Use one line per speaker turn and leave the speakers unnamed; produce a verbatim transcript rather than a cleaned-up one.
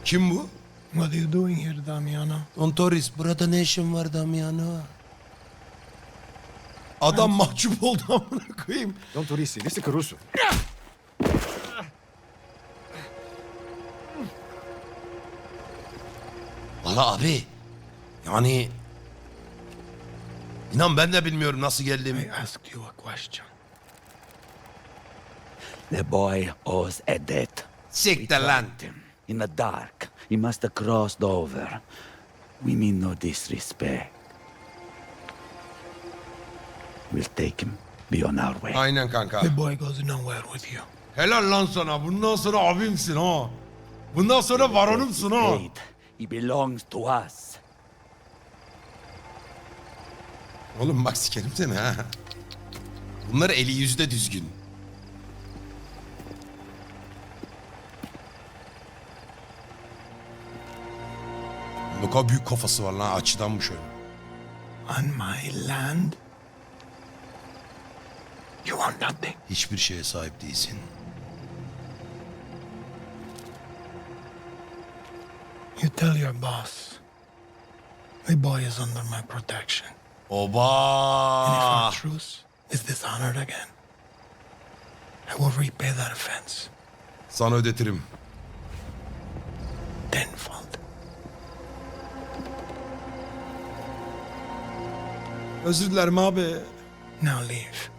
Kim bu?
What are you doing here, Damiano?
Don Torres, burada ne işin var Damiano? Adam mahcup oldu amına koyayım.
Don Torisi, liste Caruso.
Valla abi. Yani... İnan ben de bilmiyorum nasıl
I
geldiğimi.
asked you a question.
The boy owes a debt.
Siktir lan.
In the dark, he must have crossed over. We mean no disrespect. We'll take him. Be on our way.
Aynen kanka.
The boy goes nowhere with you.
Helal lan sana. Bundan sonra abimsin ha. Bundan sonra varonumsun ha.
Paid. He belongs to us.
Oğlum bak sikerim seni ha. Bunlar eli yüzde düzgün. Ne kadar büyük kafası var lan, açıdanmış öyle.
On my land? You want nothing.
Hiçbir şeye sahip değilsin.
You tell your boss. The boy is under my protection. And if
Oba!
our truce is dishonored again, I will repay that offense
Sana ödetirim.
tenfold.
Özür dilerim abi.
Now leave.